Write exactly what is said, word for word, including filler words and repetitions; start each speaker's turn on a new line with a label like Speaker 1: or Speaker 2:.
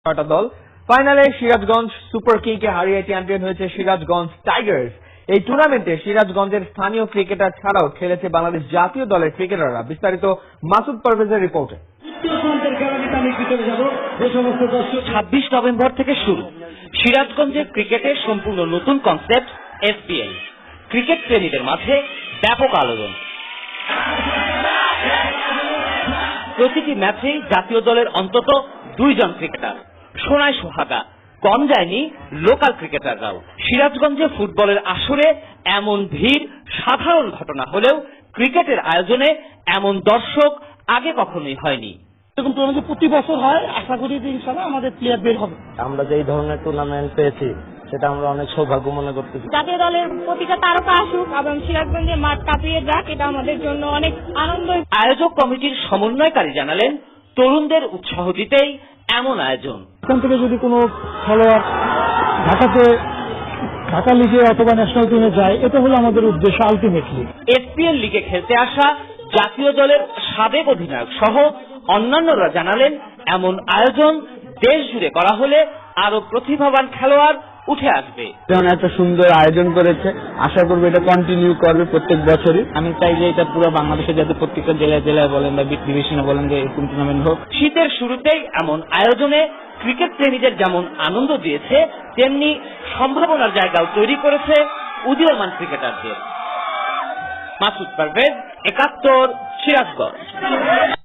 Speaker 1: ছয়টা দল ফাইনালে সিরাজগঞ্জ সুপার কিংকে হারিয়ে চ্যাম্পিয়ন হয়েছে সিরাজগঞ্জ টাইগার্স। এই টুর্নামেন্টে সিরাজগঞ্জের স্থানীয় ক্রিকেটার ছাড়াও খেলেছে বাংলাদেশ জাতীয় দলের ক্রিকেটাররা। বিস্তারিত মাসুদ পারভেজের রিপোর্টে।
Speaker 2: ছাব্বিশ নভেম্বর থেকে শুরু সিরাজগঞ্জের ক্রিকেটের সম্পূর্ণ নতুন কনসেপ্ট এসপিএল। ক্রিকেট প্রেমীদের মাঝে ব্যাপক আলোড়ন। প্রতিটি ম্যাচেই জাতীয় দলের অন্তত দুইজন ক্রিকেটার। সোনায় সোহাগা, কম যায়নি লোকাল ক্রিকেটাররাও। সিরাজগঞ্জে ফুটবলের আসরে এমন ভিড় সাধারণ ঘটনা হলেও ক্রিকেটের আয়োজনে এমন দর্শক আগে কখনোই হয়নি।
Speaker 3: এরকম টুর্নামেন্ট প্রতি বছর হয়, আশা করি যে ইনশাআল্লাহ আমাদের প্লেয়ার বের হবে।
Speaker 4: আমরা যে এই ধরনের টুর্নামেন্ট পেয়েছি সেটা আমরা অনেক সৌভাগ্য মনে করতেছি।
Speaker 5: জাতীয় দলের প্রতিটা তারকা আসুক এবং সিরাজগঞ্জের মাঠ কাঁপিয়ে যাক, এটা আমাদের জন্য অনেক আনন্দ।
Speaker 2: আয়োজক কমিটির সমন্বয়কারী জানালেন, তরুণদের উৎসাহ দিতেই এমন আয়োজন।
Speaker 3: এখান থেকে যদি কোনো খেলোয়াড় ঢাকাতে ঢাকা লিগে অথবা ন্যাশনাল টিমে যায়, এটা হলো আমাদের উদ্দেশ্য আলটিমেটলি।
Speaker 2: এসপিএল লিগে খেলতে আসা জাতীয় দলের সাবেক অধিনায়ক সহ অন্যান্যরা জানালেন, এমন আয়োজন দেশ জুড়ে করা হলে আরো প্রতিভাবান খেলোয়াড় উঠে আসবে।
Speaker 4: যেমন একটা সুন্দর আয়োজন করেছে, আশা করবো এটা কন্টিনিউ করবে প্রত্যেক বছরই। আমি চাই যে এটা পুরো বাংলাদেশে যাতে প্রত্যেকটা জেলায় জেলায় বলেন বা ডিভিশনে বলেন যে এরকম টুর্নামেন্ট হোক।
Speaker 2: শীতের শুরুতেই এমন আয়োজনে ক্রিকেট প্রেমীদের যেমন আনন্দ দিয়েছে, তেমনি সম্ভাবনার জায়গাও তৈরি করেছে উদীয়মান ক্রিকেটারদের। মাসুদ পারভেজ, একাত্তর, সিরাজগঞ্জ।